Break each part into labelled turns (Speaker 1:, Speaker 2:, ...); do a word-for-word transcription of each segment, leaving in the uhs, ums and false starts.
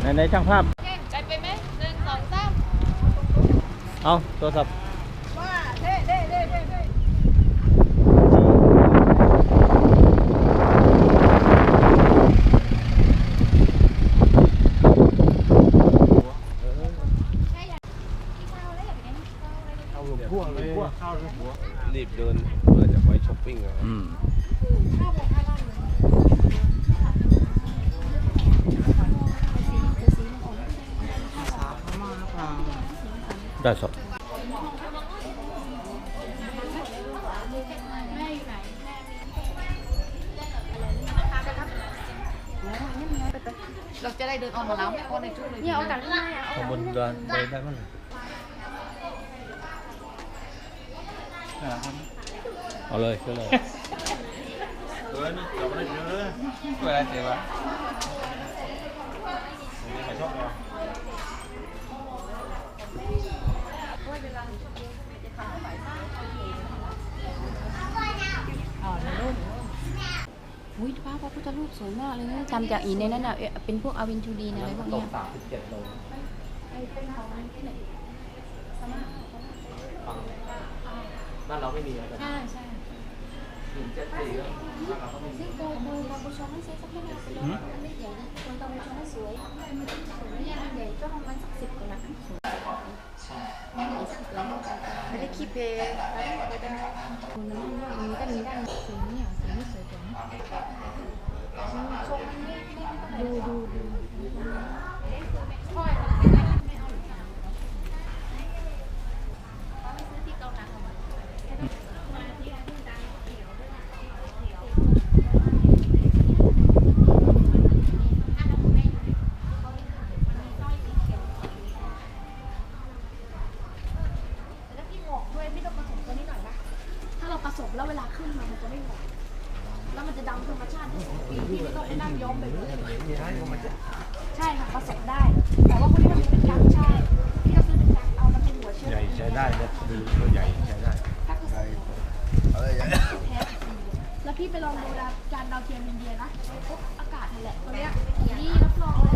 Speaker 1: ในในช่างภาพ
Speaker 2: ใจไปไหมหนึ่งสองสาม
Speaker 1: เอาโทรศัพท์
Speaker 2: ว่าเด้เด้เด้เด้เด้
Speaker 3: พวกเลยข้าวหัวรีบเดินเพื่อจะไปช้อปปิ้งอะอืม
Speaker 1: ได้สด
Speaker 2: เราจะได้เดินออกมาแล้วไม่พอในชุดเลยเนี่ยเอาแต่ได้
Speaker 1: ข้างบนเดินไปได้มั้ยเอาเลยก็เลย
Speaker 3: เออนี่เราไม่ได้เยอะเวลาเสียวะใครชอบเรา
Speaker 4: อุ้ยพระพระพุทธรูปสวยมากเลยนะทำจากอิฐในนั้นน่ะเป็นพวกอาวินทูดีนอะไรพวกนี้
Speaker 1: สามสิบเจ็ดโลบ้านเราไม่มีอะไร
Speaker 4: ใช่ใช่
Speaker 1: หนึ่งเจ็ดสี่ก็บ้านเราก็ไม่มี
Speaker 4: ซึ่งโดยโดยกัมพูชาไม่ใช่สักแค่ไหนไปเลยไม่ใหญ่นะคนกัมพูชาสวยสวยไม่ใหญ่ใหญ่ก็ประมาณสักสิบกว่าล้านสวยไม่ได้คิดเพย์คนนั้นมันมีก็มีด้านสีเนี่ยสีนี่สวยกว่าชมดูดูดูผสมแล้วเวลาขึ้นมามันจะไม่หวานแล้วมันจะดำธรรมชาติปีที่ไม่ต้องไปนั่งย้อมไปเลยใช่ค่ะผสมได้แต่ว่าคนที่มันเป็นกั๊กใช่ที่เราซื้อเป็นกั๊กเอามันเป็นหัวเชื้อ
Speaker 3: ใหญ่ใช้ได้เลยดูตัวใหญ่ใช้ได้ใช่อะไรใหญ่
Speaker 4: แล้วพี่ไปลองดูจานดาวเทียมอินเดียนะปุ๊บอากาศนั่นแหละตัวเนี้ยนี่รับรองเลย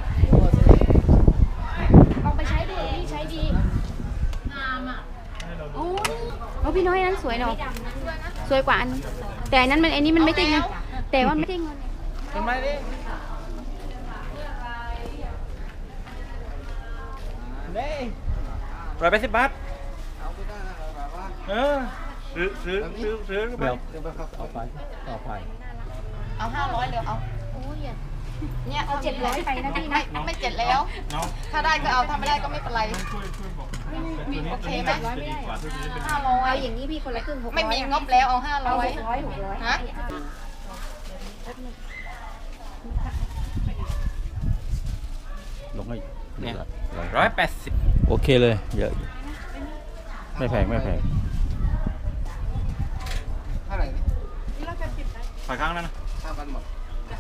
Speaker 4: ลองไปใช้ดูพี่ใช้ดีงามอ่ะโอ้โอ้พี่น้อยนั้นสวยเนาะสวยกว่าอันแต่อันนั้นมันอันนี้มันไม่ได้เงินแต่ว่าไม่ได้เงิน
Speaker 3: ทำไมดิเด้ร้อยแปดสิบบาทเออซื้อซื้อซื้อซื้อไป
Speaker 1: เอาไปต่อไป
Speaker 2: เอาห้าร้อยเดี๋ยวเอา
Speaker 4: โอ้ย
Speaker 2: เนี่ย
Speaker 4: เอาเจ็ดร้อยไปนะพี่นะ
Speaker 2: ไม่เจ็ดแล้วถ้าได้ก็เอาถ้าไม่ได้ก็ไม่เป็นไรโอเคไหมห้าร้อย
Speaker 4: อย่างนี้พี่คนละครึ่งหกร้อย
Speaker 2: ไม่มีงบแล้วเอาห้าร้อย
Speaker 4: หกร้อยหกร้อย
Speaker 2: ฮะ
Speaker 1: ลงให้
Speaker 3: เนี่ยร้อยแปดสิบ
Speaker 1: โอเคเลยเยอะไม่แพงไม่แพง
Speaker 3: เท่าไหร่ฝ่ายข้างนั้นนะห้าพันหมด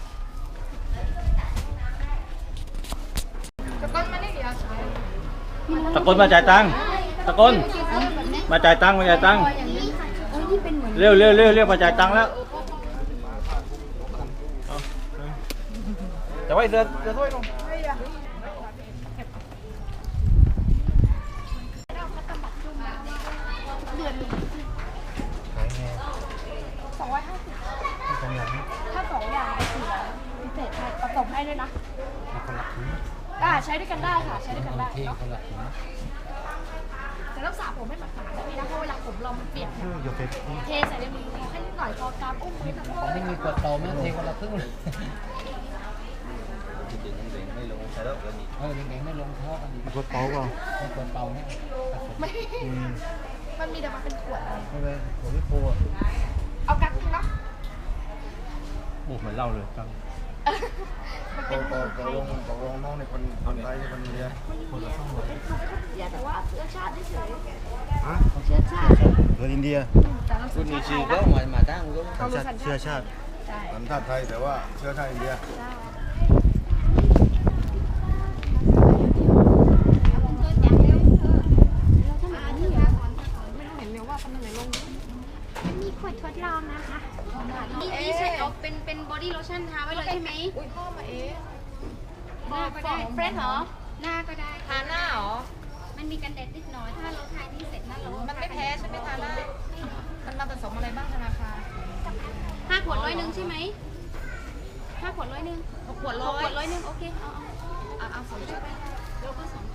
Speaker 2: ตะกนมาได้เดี๋ยวใช้
Speaker 1: ตะกนมาจ่ายตังค์ตะกนมาจ่ายตังค์มาจ่ายตังค์เร็วเร็วเร็วเร็วมาจ่ายตังค์แล้ว
Speaker 3: แต่ว่าเสือเสือถ้วยลง
Speaker 4: สองร้อยห้าสิบถ้าสองอย่างสี่พิเศษให้ผสมให้ด้วยนะอ่าใช้ด้วยกันได้ค่ะใช้ด้วยกันได้เนาะแต่ต้องสระผมให้มันขาดนะพี่นะเพราะเวลาผมเรามันเปียกเทใส่ในมือให้นิดหน่อยพอกามอุ้มมือทั้งหมด
Speaker 1: ไม่มีกดโตไม่เทคนละครึ่งเลยไม่ลงใช่แล้วกันนี่เออเด็กๆไม่ลงท่อกัน
Speaker 3: กดเป่าเปล่า
Speaker 1: ไม่กดเป่าเนี่ย
Speaker 4: ไม่มันมีแต่มาเป็นขวด
Speaker 3: ไม่เป็นขวดที่โพอ่ะ
Speaker 4: เอากั๊กเนาะ
Speaker 1: โอ้เหมือนเล่าเลยกั๊ก
Speaker 3: ตกตกลงตกลงน้องในคนคนไทยในคนเดียวคนละสองร้อย
Speaker 4: แต่ว่าเชื้อชาติเฉย
Speaker 3: ฮะ
Speaker 4: เชื้อชาติ
Speaker 3: คนอินเดีย
Speaker 1: คุณมีชื่อก็มามาตั้งก็
Speaker 3: เชื้อชาติสัญชาติไทยแต่ว่าเชื้อชาติอินเดีย
Speaker 4: มีขวดทดลองนะคะนี่นี่ใช่เอาเป็นเป็นบอดี้โลชั่นทาไว้เลยใช่ไหมอุ้ยพ่อมาเอ๊ะ
Speaker 5: หน้าก็ได้
Speaker 2: เฟรนเหรอ
Speaker 5: หน้าก็ได้
Speaker 2: ทาหน้าเหรอ
Speaker 5: มันมีกันแดดนิดหน่อย ถ้าเราทานี่เสร็จนะเรา
Speaker 2: มันไม่แพ้ใช่ไหมทาหน้ามันมาผสมอะไรบ้างธนาคาร
Speaker 5: ห้าขวดร้อยหนึ่งใช่ไหมห้าขวดร้อยหนึ่ง
Speaker 2: หกขวด
Speaker 5: ห
Speaker 2: ร้อก
Speaker 5: ขวด
Speaker 2: ย
Speaker 5: ร้อยหนึ่งโอเค เอาเอา
Speaker 2: เอาเอาสองชุด
Speaker 5: เราก็สอง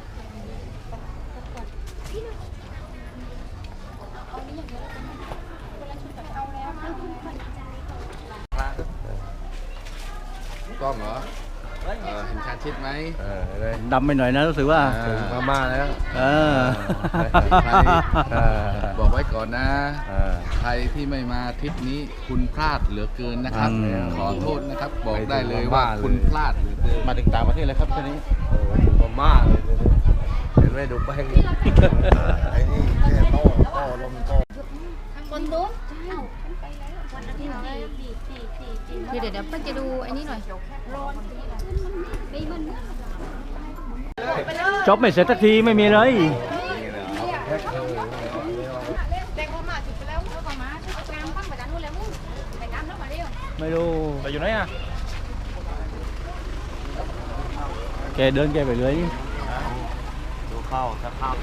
Speaker 5: พี่หนึ่งเอานี้อย่างเดียวแล้วกันคนละชุดแบบเอาแล้วเอาคุณคนใจก่อน
Speaker 6: กล้องเหรอเออเห็นชาชิดไหม
Speaker 3: เออเลย
Speaker 1: ดำไปหน่อยนะรู้สึกว่า
Speaker 3: ถึงพม่าแล้ว
Speaker 1: เออ
Speaker 6: ใคร
Speaker 3: เออ
Speaker 6: บอกไว้ก่อนนะ
Speaker 3: เออ
Speaker 6: ใครที่ไม่มาทริปนี้คุณพลาดเหลือเกินนะครับ
Speaker 1: อืม
Speaker 6: ขอโทษนะครับ บอกได้เลยว่าคุณพลาดเหลือเกิน
Speaker 1: มาถึงต่างประเทศเลยครับทีนี้
Speaker 3: โอ้ถึงพม่าเลยเห็นไหมดูแป้งนี่ไอ้นี่แค่โต้โต้ลมโต้
Speaker 5: คนนู้นเอ้าไปแล้ววันอาทิตย์ที่ดีดีดีดีเดี๋ยวเดี๋ยวเพิ่งจะดูไอ้นี่หน่อยร้อนไม่มัน
Speaker 1: จบไม่เสร็จสักทีไม่มีเลย
Speaker 2: เด็กพม่าจุดไปแล้ว
Speaker 5: เอาเข้ามาเอากามตั้งไปด้านนู้นแล้วมึงไปตามแล้วมาเร็ว
Speaker 1: ไม่รู้
Speaker 3: ไปอยู่ไหนอ่ะ
Speaker 1: แกเดินแกไปเลย
Speaker 3: ดูเข้าถ้าเข้า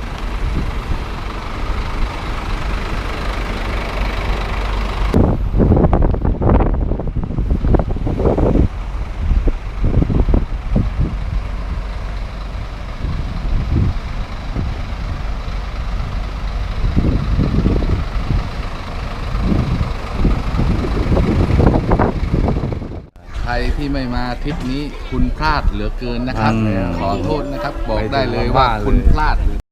Speaker 6: ใครที่ไม่มาทริปนี้คุณพลาดเหลือเกินนะครับ
Speaker 1: อืม
Speaker 6: ขอโทษนะครับ บอกได้เลยว่าคุณพลาดเหลือ